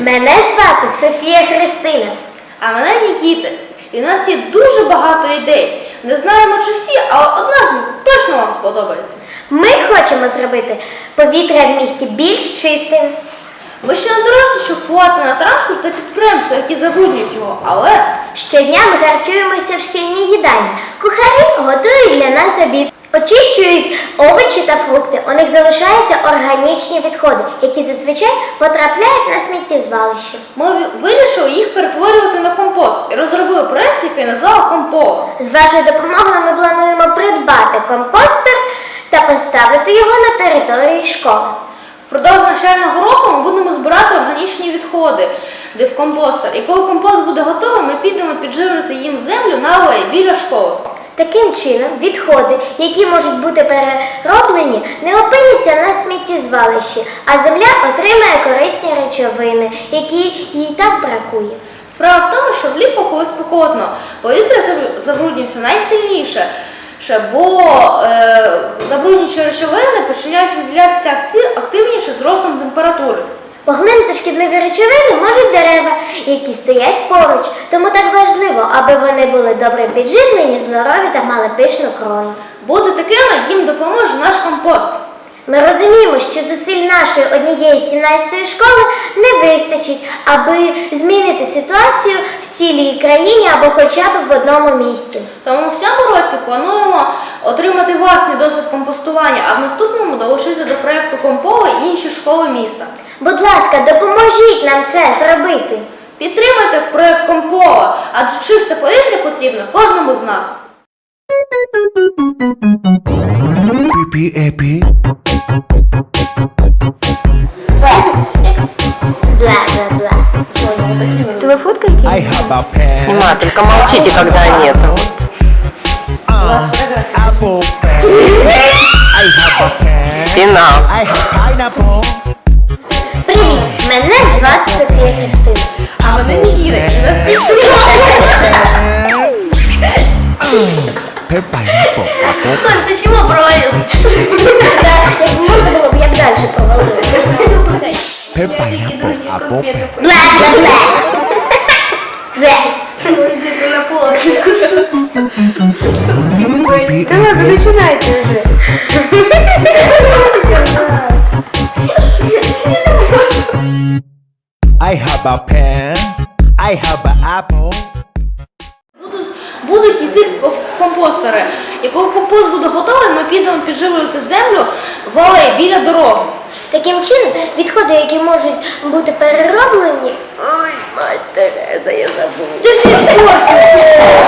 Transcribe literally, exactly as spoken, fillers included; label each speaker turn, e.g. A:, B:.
A: Мене звати Софія Христина.
B: А мене Нікіта. І у нас є дуже багато ідей. Не знаємо, чи всі, але одна з них точно вам сподобається.
A: Ми хочемо зробити повітря в місті більш чистим.
B: Ви ще не дорослі, щоб впливати на транспорт та підприємства, які забруднюють його, але...
A: Щодня ми харчуємося в шкільній їдальні. Кухарі готують для нас обід. Очищують овочі та фрукти. У них залишаються органічні відходи, які зазвичай потрапляють на сміттєзвалище.
B: Ми вирішили їх перетворювати на компост і розробили проєкт, який назвали «Комполо».
A: З вашою допомогою ми плануємо придбати компостер та поставити його на території школи.
B: Впродовж навчального року ми будемо збирати органічні відходи, де в компостер. І коли компост буде готовий, ми підемо підживлювати їм землю на алеї біля школи.
A: Таким чином, відходи, які можуть бути перероблені, не опиняться на сміттєзвалищі, а земля отримає корисні речовини, які їй так бракує.
B: Справа в тому, що влітку, коли спекотно, повітря забруднюється найсильніше, бо е, забруднюючі речовини починають виділятися активніше з ростом температури.
A: Поглинути шкідливі речовини можуть дерева, які стоять поруч. Тому так важливо, аби вони були добре підживлені, здорові та мали пишну крону.
B: Бути такими їм допоможе наш компост.
A: Ми розуміємо, що зусиль нашої однієї сімнадцятої школи не вистачить, аби змінити ситуацію в цілій країні або хоча б в одному місті.
B: Тому в цьому році плануємо отримати власний досвід компостування, а в наступному долучити до проєкту «Комполо» і інші школи міста.
A: Будь ласка, допоможіть нам це зробити.
B: Підтримайте проєкт «Комполо», адже чисте повітря потрібно кожному з нас.
C: Пі-пі-епі.
A: Бла-бла-бла. Это вы фоткаете?
C: I have a pen.
D: Снимай, только молчите, когда нет.
C: Apple pen. I have a pen.
D: Спина.
C: I have pineapple.
A: Привіт, мене звати Софія Христина.
B: А мене Нікіта.
C: Pen pineapple. Apple.
B: Сонь, ти чому провалив?
A: Як можна було б, я б далі провалилася.
C: Pen pineapple. Apple pen.
A: Бла-бла-бла. Бла.
C: Пі-пі-епі.
A: Починайте вже.
C: I have a pen. I have an apple.
B: Будуть, будуть йти в в компостери. І коли компост буде готовий, ми підемо підживлювати землю в алеї біля дороги.
A: Таким чином, відходи, які можуть бути перероблені... Ой, мать Тереза, я забула.
B: Ти всі спортив!